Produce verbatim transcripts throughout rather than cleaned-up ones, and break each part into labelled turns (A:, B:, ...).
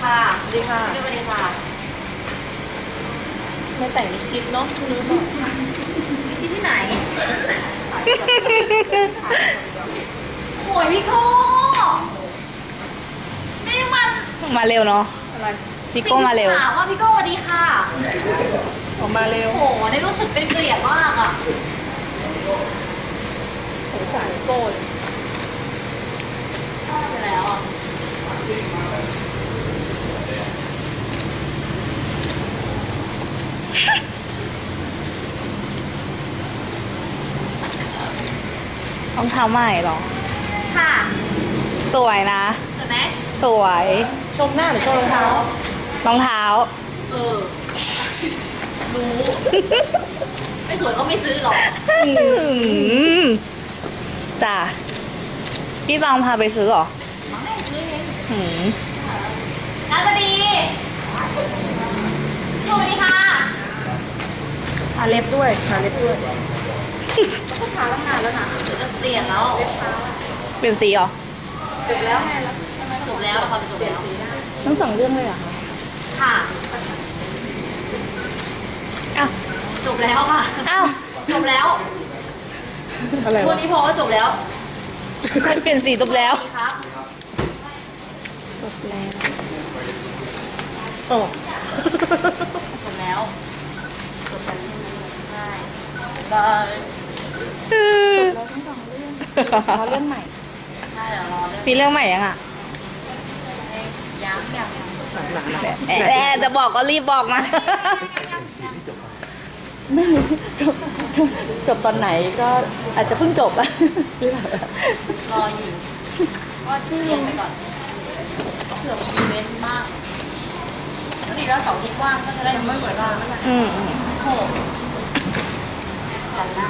A: ค่ะ
B: สวัสดีค่ะ
A: สวัสดีค่ะ
B: ไม่แต่งมิดชิดเนาะไม่รู้ป่ะ
A: มีชิ้นที่ไหนโอ้ยพี่โก้นี่มัน
C: มาเร็วเนาะ
B: อะไร
C: พี่โก้มาเร็ว
A: ถามว่าพี่โก้สวัสดีค่ะ
B: ออกมาเร็ว
A: โอ้โหนี่รู้สึกเป็นเกลียดมากอ่ะ
B: สงสารโก้เลย
A: ไปแล้วอ่ะ
C: รองเท้าใหม่เหรอ
A: ค่ะ
C: สวยนะ
A: ใช่ไหม
C: สวย
B: ชมหน้าหรือชมรองเท้าร
C: องเท้า
A: เออรู้ไม่สวยก็ไม่ซื้อหรอก
C: อืมจ้ะพี่ตองพาไปซื้อเหรอ
A: ไม่ซื้อเอง
C: หืม
A: นัดสวัสดีสวัสดีค่ะ
B: ทาเล็บด้วยทาเล็บด้วย
A: ก็ทาตั้งนานแล้วนะเดี๋ยวจะเปลี่ยนแล้ว
C: เปลี่ยนสีเหรอ
A: จบแล้วไงแล้วจบแล้วความจบแล้ว
B: ทั้งสองเรื่องเลยเหรอคะ
A: ค่ะ
C: อ้าว
A: จบแล้วค่ะ
C: อ้าว
A: จบแล้ว
B: อะไร
A: วั
B: วะ
A: นนี้พอก็จบแล้ว
C: เปลี่ยนสีจบแล้ว
A: สสดีครับ
C: จบแล้ว
B: โอ้
A: จบแล้วจบแล้วใช่บาย
B: เราทั้งสองเรื่องเราเรื่องใหม่
A: ใช่เดี๋ยวรอเรื่อง
C: มีเรื่องใหม่ยังอ่ะ
A: ยังยังยัง
B: หนาๆ
C: แหมแหมจะบอกก็รีบบอกมา
B: ไม่รู้จบจบจบตอนไหนก็อาจจะเพิ่งจบอะ
A: รออยู่ก็เรียนไปก่อนเผื่อมีอีเวนต์บ้างก็ดีแล้วเสาร์อาที่ว่างก็จะได้มีเวลา
C: อืมอืม
A: โอ้โหจันหน้า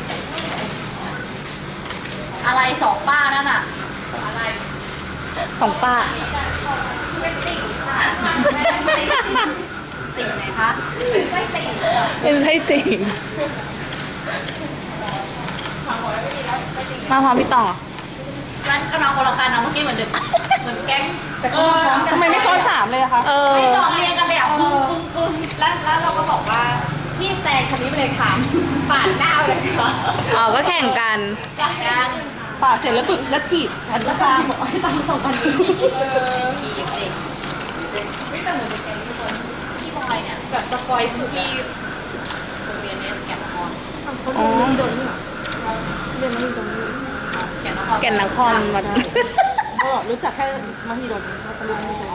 A: อะไรสองป้านั่นอะอะไร
C: ของป้า
A: ติ่งไหนคะไม่ติ่ง
C: เป็นไส้ติ่งมาพร้อมพี่ตองเหรอ
A: ร้านกำลังคนละคันนะเมื่อกี้เหมือนเดิมเหมือนแก๊ง
B: เออทำไมไม่ซ้อนสามเลยอะคะ
C: เออ
A: ไม่จอดเรียงกันเลยอ่ะปึ้งปึ้งปึ้งแล้วแล้วเราก็บอกว่าพี่แซงคันนี้ไปเลยค่ะผ่านหน้าเลยค่ะ
C: อ๋อ ก็แข่งกัน
A: จากการ
B: ปาดเสร็จแล้วปึ๊บแล้วฉีดอันราคาบอกให้ตังค์สองพัน
A: เออทีเด็กไม่แต่เหมือนเป็นแก๊งทุกคนพี่บอยเนี่ยแบบสกอยคือที่โรงเรียนเนี้ยแก่นนคร
B: เขาดูเรื่องโดนนี่หรอเรื่องนี้โดนนี่
A: แก่นนคร
C: แก่นนครมา
B: ก็รู้จักแค่มหิดลเขาตะลุยไม่ใช่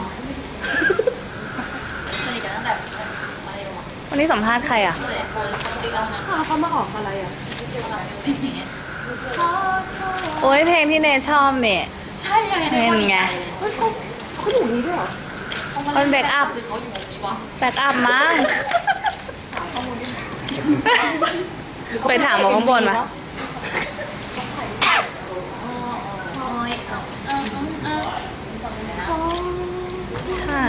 A: สนิทกันตั้งแต่อะไรวะ
C: วันนี้สัมภาษณ์ใครอ่ะ
A: ตั้งแต่โคนติ๊กแล้วนะ
B: อ้าวเขามาออกอะไรอ่ะ
A: เป็นอย่างเงี้ย
C: โอ้ยเพลงที่เนยชอบเนี่ย
A: ใช่ไง
C: เห็นไง
B: เฮ้ยเขาเขาอยู่นี้ด้วยเหรอ
C: มันแบ็กอัพ
A: หรือเขาอยู่วงนี้วะ
C: แบ็กอัพมั้งไปถามหมอข้างบนมา
A: อ๋ออ๋อเออเออเออ
C: ใช่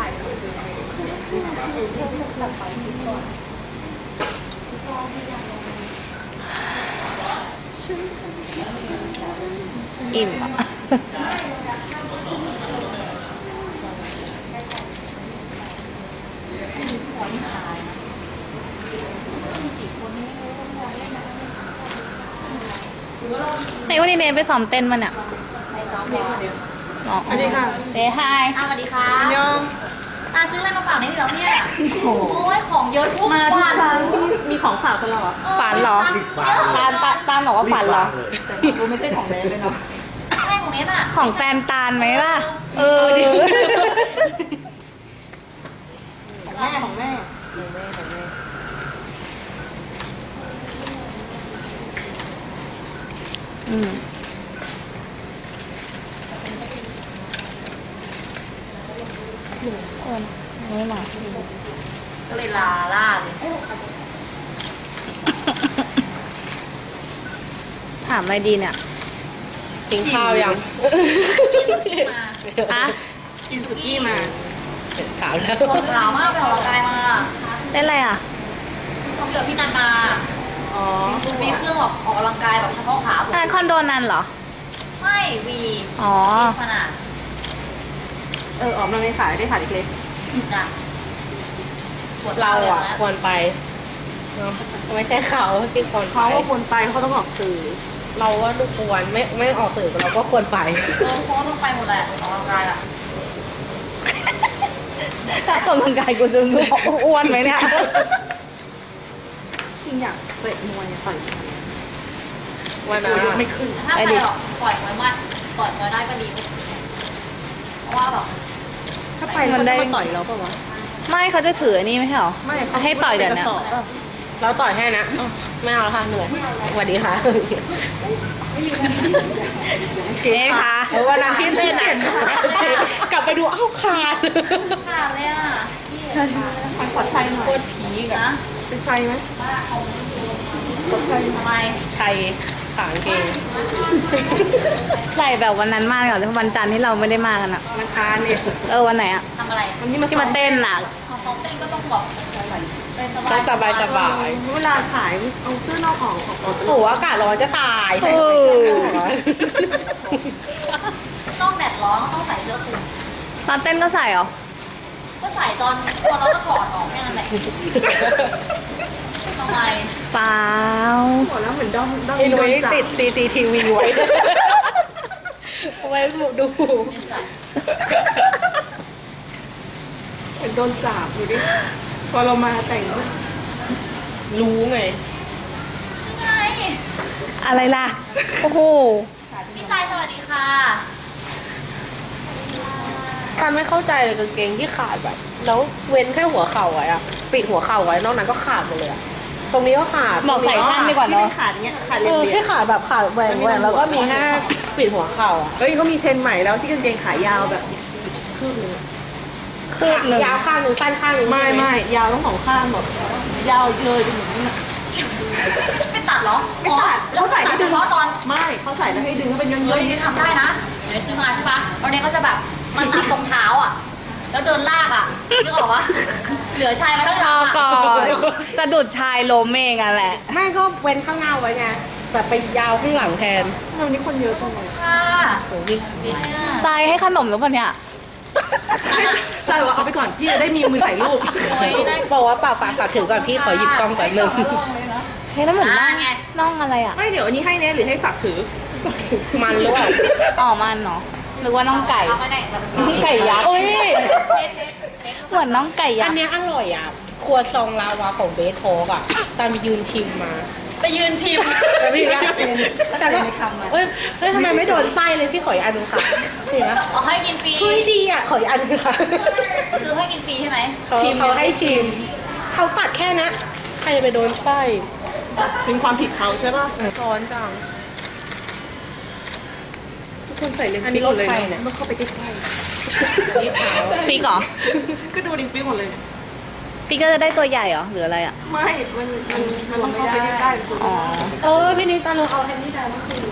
C: อิ่มอ่ะ ไหนวันนี้เนยไปซ้อมเต้นมาเนี่ย
A: ไปซ้อมบอล
C: อ๋อ
B: อันนี้ค่ะ
C: เดย์ไฮ
A: อ่ะสวัสดีค่ะ
B: ยอง
A: ตาซื้ออะไรมาฝากในที่เราเนี่ย โอ้ยของเยอะทุก
B: มาทุก
A: วัน
B: ครั้งที่มีของฝากตลอด
C: ฝันเหรอ ตาลตาตาลบอกว่าฝันเหรอ
B: แต่กูไม่ใช่ของแนนเลยเนาะ
A: แม่ของเนี้ยน่ะ
C: ของแฟนตาลไหมล่ะ เออ
B: ของแม่ของแม่ของแม่ของแม่
C: อืมเออไม่มา
A: ก็เลยลาล่าเลย
C: ถามอะไรดีเนี่ยกินข้าวยัง ฮะ
A: กินสุกี้มา
C: ขาวแล้ว
A: คนขาวมากไปออกกำลังกายมา
C: เล่นอะไรอ่ะ
A: ต้องเจอพี่นันมา
B: อ๋อ
A: มีเครื่องแบบออกกำลังกายแบบเฉพาะขาผม
C: อ่าคอนโดนันเหรอ
A: ไม่วี
C: อ๋อ
A: มีขนาด
C: เ
D: เออออกมาไม่ขายได้ขายเล็ก
A: จ้ะปวด
E: เราอ่ะ
A: ลยน
E: ควรไปเนอะไม่ใช่เขาที่ควร
D: ๆ
E: ไป
D: เขาว่าคนไปเขาต้องออกสื่อ
E: เราว่าทุกควรไม่ไม่ออกสื่อเราก็ควรไป
A: เออทุกคนก็ต้องไปหมดแหละออกกำลังกายอ่ะ
C: ถ้าออกกำลังกายกูจะอ้วนไหมเนี่ย
D: จริงอยากเตะมวยต่อยมวย
E: วัน
D: ตั
E: นั้
D: วน ยก
E: อะ
D: ไม่ขึ้น
A: ถ้าไปหรอกปล่อยมวยมันปล่อยมวยได้ก็ดีเพราะว่าแบบ
D: ถ้าไปมันได้ต่อยเราปะวะ
C: ไม่เขาจะถืออันนี้ไม่ใช่เหรอ
D: ไม่
C: ให้ต่อยเดี๋ยวนี้
D: กระสอบปะ
E: เราต่อยให้นะอ้าวไม่เอาแล้วค่ะเหนื่อยสวัสดีค่ะ
C: เอ๊ะคะ
E: เออวันนั้นพี่เต้นอะกลับไปดูเอ้าขาด
A: ขาดเลยอ่ะพี่
D: ทางขอดชัยหน่
E: โค
D: อย
E: ตรผีก
A: นะ
E: อะ
D: เป็นชัยไหม
A: ทำไม
E: ชัยขางเกง
C: ใส่แบบวันนั้นมากเหรอที่วันจันทร์ที่เราไม่ได้มากันอะ
D: ราคาเนี่ย
C: เออวันไหนอะ
A: ทำอะไร
D: วันนี้มา
C: ที่มาเต้นอะ
A: ของซ้อมเต้นก็ต้องแบบเต้นสบา
E: ก็
A: ย
E: สบายสบาย
D: เวลาขายเอาเสื้อนอกออกออกออก
E: โอ้โหอากาศร้อนจะตาย
C: เออ
A: ต้องแดดร้อนต้องใส่เสื้อคลุม
C: ตอนเต้นก็ใส่เหรอ
A: ก็ใส่ตอนตอนเราก็ถอดออกแค่นั้นแหละทำไม
C: เปล่า
D: หมดแล้วเหมือนด้อมด้อม
E: ไอ้ห
D: โด
E: นุ่ย
D: นจับ
E: ติดซีซีทีวีไว้ไว้ดู
A: ไม่ใส่
D: เหมือนโดนจับดูดิพอเรามาแต่ง
E: รู้ไง
A: ยังไง
C: อะไรล่ะ โอ้โห
A: พี่ทรายสวัสดีค่ะ
E: การไม่เข้าใจเลยกางเกงที่ขาดแบบ แล้วเว้นแค่หัวเข่าไว้อะปิดหัวเข่าไว้นอกนั้นก็ขาดหมดเลยอะตรงนี้ก็ขาด
C: บอกใส่สั้นดีกว่า
D: ที่
C: เนาะ
D: ไม่ขาดเงี้ยขาด
E: เอ
D: เรีย
E: อบ ที่ขาดแบบขาดแหว่งแหว่งแล้วก็มีแค่ปิดหัวเข่าอะ
D: เฮ้ยเขามีเทรนด์ใหม่แล้วที่กางเกงขายาวแบบครึ่งนึง
C: คืบหนึ่ง
E: ยาวข้างหนึ่งสั้นข้างหนึ่ง
D: ไม่
E: ใช่ห
D: ไม่ยาวทั้งสองข้างแบบยาวเลยจนถึงนั้นอะ
A: ไม่ตัดเหรอ
D: ไม่ตัด
A: อ๋อแล้วใส่
D: เขาใส่
A: เฉพาะตอน
D: ไม่เขาใส่แล้วให้ดึงก็เป็นย้อน
A: เฮ้ยนี่ทำได้นะเดี๋ยวซื้อมาใช่ปะตอนนี้ก็จะแบบมันตัดตรงเท้าอ่ะ แล้วเดินลากอ่ะนึกออกปะเหลือชายมาข้างห
C: ร
A: ลั
C: อง
A: อ่ะ
C: ก่อนสะดุดชายล้มเองอะแหละ
E: ไม่ก็เว้นข้างหน้าไว้ไงแบบไปยาวข้างหลังแทน
D: ๆวันนี้คนเยอะจังเลย
A: ค่ะ
E: โอ้ยนี่
A: อะไรอ่ะ
C: ทรายให้ขนมหรือเปล่าเนี่ย
D: ใช่ว่าเอาไปก่อนพี่จะได้มีมือถ่ายรูป
A: โอ้ยได้
E: บอกว่าเปล่าฝากฝากถือก่อนพี่ขอหยิบกล้องก่อนหนึ่ง
C: เฮ้ยแล้วเหมือนน่อง
A: อ่าไง
C: น่องอะไรอะ
D: ไม่เดี๋ยวอันนี้ให้แน่หรือให้ฝากถือ
E: มันหรือเปล่า
C: อ๋อมันเนาะหรือว่าน่องไก่
A: เอาไปไหนแบบ
E: ไก่ยักษ์
C: โอ้ยเหมือนน่องไก่ยั
E: อั
C: ก
E: น
C: ษ์
E: เนี้ยอร่อยอ่ะ ครัวซองลาวาของเบสโทกอ่ะ ตามไปยืนชิมมา
A: ไปยืนชิม
E: แต่พี่ละแต่ก็เอ้ยเฮ้ยทำไมไม่โดนไส้เลยพี่ขออีกอันหนึงค่ะนี่นะ
A: เอาให้กินฟรี
E: เฮ้ยดีอ่ะขออีกอันหนึงค่ะ
A: คือให้กินฟรีใช่ไหม
E: เขาเขาให้ชิม เขาตัดแค่นะใครจะไปโดนไส้
D: เป็นความผิดเขาใช่ป่ะ
E: ร้อนจัง
D: ทุกคนใส่เลนส์
E: อันนี้
D: ฟิกหมดเลย
E: รถใครเนี่ย
D: ต้องเข้าไปใกล้
E: นี่ขาว
C: ฟิกเหรอ
D: ๆก็ดูดิฟิกหมดเลย
C: ฟิกก็จะได้ตัวใหญ่เหรอหรืออะไรอะ
D: ไม่ มันมันมันต้องเข้าไปใกล้ๆคุณ
C: อ๋อ
E: เออพี่นิตาเราเอาแฮนดี้แดงมาคืน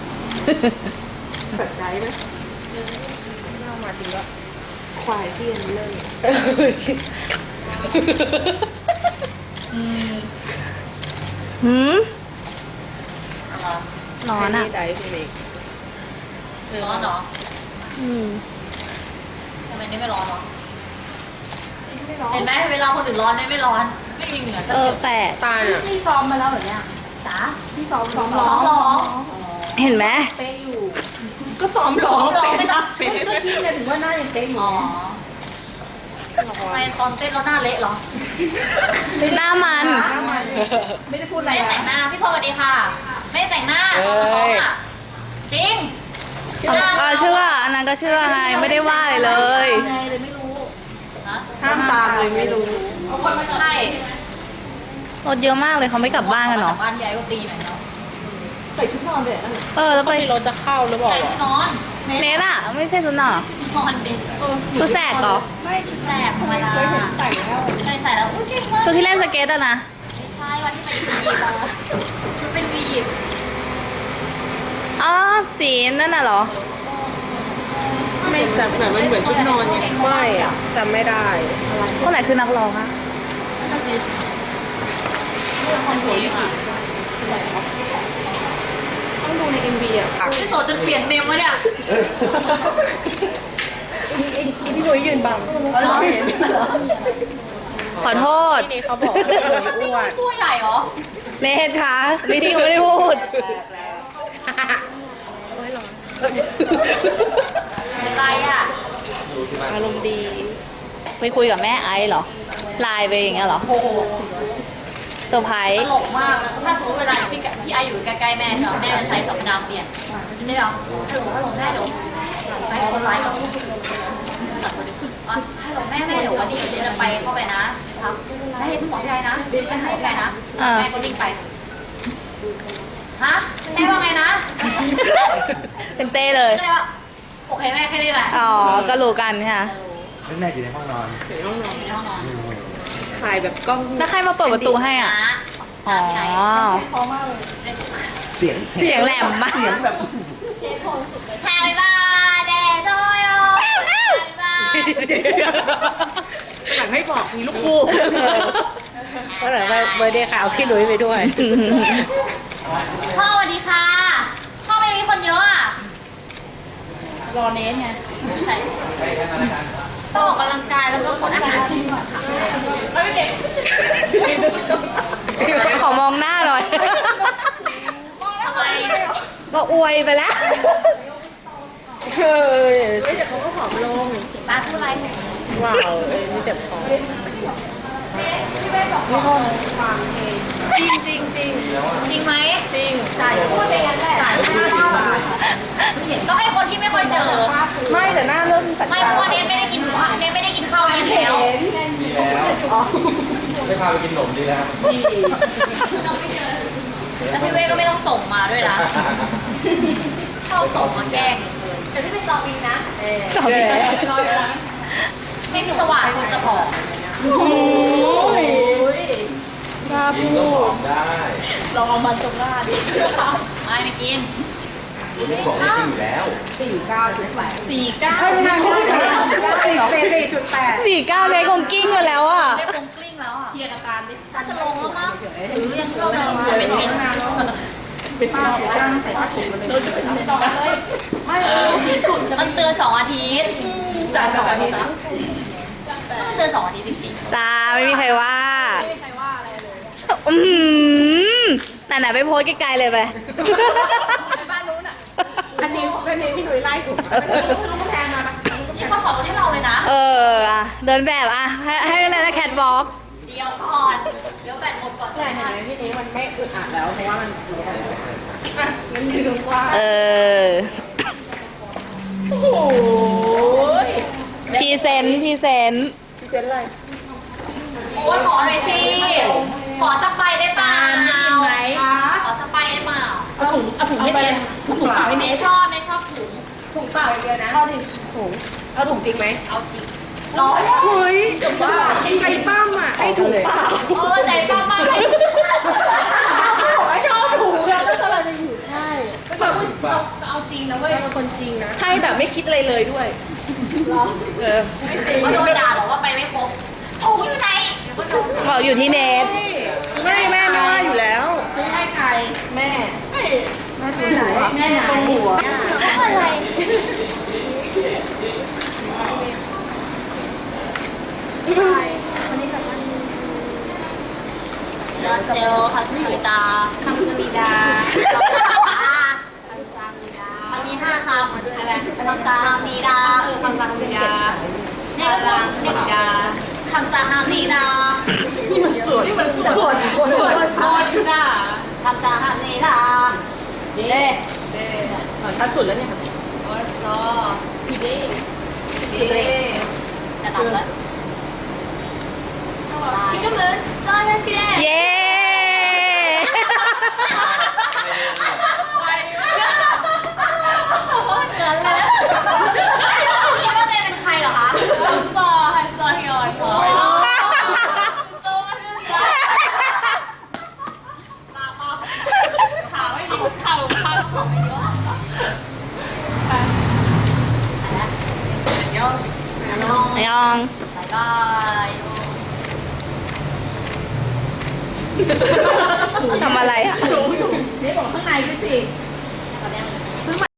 D: แบบใจไหม
E: เอามาจริงก็
D: ควายที่อันนี้เลย
A: อืม
C: หืม
A: อะไร
C: ร้อนอะ
E: แฮดี้ได้พี่นิก
A: ร้อนเหรอ
C: อืม
A: ทำไมนี่ไม่ร้อนเหรอเห็นไหมเวลาคนอื่นร้อนเนี่ยไม่ร้อน ไม่มีเหงื่อสัก
C: เอ
A: ห
C: อย
A: ด
C: แปลก
E: ตาเนี่ย
A: พี่ซ้อมมาแล้วเหรอเนี่ยจ๋า
D: ที่ซ้อมซ้อม
A: ซ้อมร้อง
C: เห็นไหม
A: เป๊ะอยู่
D: ก็ซ้อมร้อง
A: ซ้อมร้องไม่ต้อง
D: เป๊ะ
A: ก็คิดเลยถึงว่าหน้ายังเป๊ะอยู่อ๋อทำไมตอนเต้นเราหน้าเละเหรอ
C: หน้ามัน
D: ไม่ได้พูดอะไร
A: ไม่ได้
D: นะ
A: แต่งหน้าพี่พอสวัสดีค่ะ ไม่ได้แต่งหน้าตอนมาซ้อมอ่ะจริง
C: เออเชื่ออันนั้นก็เชื่อไงไม่ได้ว่าอะไรเลย
A: ไงเลยไม่รู้นะ
D: ห้ามตามเลยไม่รู้
A: เอาคนมาใช่
C: รถเยอะมากเลยเขาไม่กลับบ้านกันเหรอ
A: บ้านใหญ่ก็ตีหน่อยเนาะ
D: ใส่ชุดนอนเลยนั่น
C: เออแล้วไป
E: พี่รถจะเข้าหรือเปล่า
A: ใส่
E: อะ
A: ชุดนอน
C: เนทอะไม่ใช่ชุดนอนเหรอ
A: ชุดนอนดิ
C: ชุดแสกเหรอ
A: ไม่ชุดแสกธรรมดา
D: เคยเห็นใส่แล้ว
A: ใส่ใส่แล้วอุ้ยเก่งมาก
C: ชุดที่เล่นสเก็ตอะนะ
A: ไม่ใช่วันที่เป็นวียิปอะชุดเป็นวียิป
C: อ๋อสีนั่นน่ะเหรอ
D: ไม่แต่เหมือนมันเหมือนชุดนอนไง
E: ไม่อะจำไม่ได้
C: คนไหนคือนักร้องอะ
A: นั่นสิเรื่องคอนโทรลอะ
D: ต้องดูในเอ็มวีอ่ะ
A: พี่โสดจนเปลี่ยนเมมวะเนี่ย
D: ดพี่หนุ่ยยืนบัง
C: ขอโทษ
D: นี่เขาบอกว่าพี่หนุ่ยอ้วน
A: ตัวใหญ่เหรอ
C: เนทคะนี่ที่เขาไม่ได้พูด
A: เป็นไรอ่ะ
D: อารมณ์ดี
C: ไปคุยกับแม่ไอซ์เหรอ ไลน์ไปอย่างเงี้ยเหรอ
A: โอ้โห
C: เซอร์ไพร
A: ต
C: ส์
A: ลกมากนะถ้าสมมติเวลาพี่กะพี่ไออยู่ใกล้ๆแม่ใช่ไหมแม่จะใช้สมนามเปลี่ยนไม่ใช่เหรอฮัลโหลฮัลโหลแม่เดี๋ยวใจคนร้ายกับสัตว์คนนี้ขึ้นอ่ะฮัลโหลแม่แม่เดี๋ยววันนี้เดี๋ยวจะไปเข้าไปนะครับแม่อย่าเพิ่งบอกพี่ไอนะเดี๋ยวจะหายพี่ไอนะแม่ก็วิ่งไปฮะแม่ว่าไงนะ
C: เป็นเต้เลย
A: ก็เลยว่าโอเคแม่แค่นี้แหละ
C: อ๋อ ก็รู้กันค่ะ
F: แม่อยู่ในห้องนอน
A: ในห้องนอน
D: ถ่ายแบบกล้อง
C: แล้วใครมาเปิดประตูให้อ่ะ
A: นะ
C: อ๋อ
A: พี่ไอ
F: เสียง
C: เสียงแหลมมาก
F: เสียงแบบ
A: Happy birthday to you Happy birthday
D: หลังให้บอกมีลูกคู่
E: ก็เลยเบอร์เดย์ค่ะเอาพี่หนุ่ยไปด้วย
A: พ่อสวัสดีค่ะ พ่อไม่มีคนเยอะอ่ะ รอเนสไงใช่ต้องออกกำลังกายแล้วก็กดอาหาร
C: ขอมองหน้าหน่อย
A: ทำไม
C: ก็อวยไปแล้ว
E: เฮ้ย
D: เดี๋ยวเขาก็ผอมลง
A: ป้าพูดอะไร
E: ว้าวเอ้ยนี่เจ็บคอ
D: จริงจริงจริง
A: จริงไหม
D: จริง
A: จ่ายพูดไปงั้นแหละจ่ายห้าสิบบาทก็ให้คนที่ไม่ค่อยเจอ
D: ไม่แต่หน้าเริ่มสัญ
A: ไม่เพราะว่าเนสไม่ได้กินข้าวเนสไม่ได้กินข้าวเย็นแล้ว
F: ดีแล้วได้พาไปกินขนมดีแล้ว
A: แล้วพี่เว้ก็ไม่ต้องส่งมาด้วยนะเข้าส่งมาแกล้งแต่พี่ไปสอบอีกนะ
C: สอบอีกแล้ว
A: ไม่มีสว่างคนจะผอม
F: กินก็ผอมได้
A: ลองเอามันตรงหน้าดิไม่ไม่กิน
F: วันนี้บอกไม่กินอยู่แล้ว
A: สี่เก้า
D: สี่จุดแปด
C: สี่เก้าเลยคงกิ้งมาแล้วอ่ะ
A: ได้คงกลิ้งแล้วอ่ะเคลียร์อาการดิน่าจะลงแล้วมั้งหรือยังเท่าเดิมจะเป็นเป็นเป็นป้าจ้างใส่ผ้าถุงมาเลยไม่มันเตือนสองอาทิตย์จ่ายสองอาทิตย์มันเตือนสองอาทิตย์จริง
C: จ้าไม่มีใครว่า
A: ๆไม่มีใครว่าอะไรเลย
C: อืมไหนๆไปโพสต์ไกลๆเลยไป
A: ไปบ้านนู้นอ่ะ
D: อันนี้อันนี้พี่หนุ่ยไล่ถูกแทนมา
A: นี่เขาขอรถให้เราเลยนะ
C: เอออ่ะเดินแบบอ่ะ ให้ให้อะไรนะแคทวอล์ก
A: เดี๋ยวก่อนเดี๋ยวแบตหมดก่อน
D: ใช่เห็นไหมพี่นี้มันไม่อึดอัดแล้วเพราะว่ามันอ่ะงั้นยืนกว้าง
C: เออ
D: โอ้ย
C: พรีเซนต์พรีเซนต์
D: พี่เจนอะไร
A: โอ้ยขอหน่อยสิ ขอสไปได้เปล่าขอสไปได้เปล่า
D: เอาถุงเอาถุงให้เนสถุงเปล่าให้เน
A: เน
D: ส
A: ชอบเนชอบถุง
D: ถุงเปล่าเดียวนะเอาดิถุงเอาถุงจริงไหม
A: เอาจริงร้อนแล้ว
D: เฮ้ยว่าใจป้ามอ่ะไอ้ถุงเปล่า
A: เออใจป้ามากเลย
D: ชอบถุงแล้วก็เราจะอยู่ใช่
A: เอาจริงนะเว้ย
D: เป็นคนจริงนะให้แบบไม่คิดอะไรเลยด้วยเออ
A: เขาโดนด่าหรอกว่าไปไม่ครบถุงอยู่ไหนเดี๋ยวก็โดน
C: บอกอยู่ที่เนท
D: ไม่แม่ไม่ว่าอยู่แล้ว
A: ซื้อให้ใคร
D: แม่แม่ถือหัว
A: แม่ไหน
D: หัว
A: อะไรเดอเซลคัสมิดาคัสมิดามันมีห้าคำอะไรคำสาฮามีดาเออคำสาฮามีดาเนี่ยก็คำสิดาคำสาฮามีดา
D: สวยนี่มันสวยสวย
A: สวดมนต์น่ะคำสาฮามีดาเด้
D: ชัดสุดแล้วเนี่ย
A: ออซอพี่เด้พี่เด้จะดับแล้วชิคกี้พายซอสเชีย
C: เย้
A: คิดว่าเต้เป็นใครเหรอคะฮันซอฮันซอฮิออนขาไม่ดีเข่าขาก็บอกไม่เยอะเดี๋ยวน้อง
C: ยอง
A: บายบาย
C: ทำอะไรอ่ะ
A: นี่บอกข้างในด้วยสิ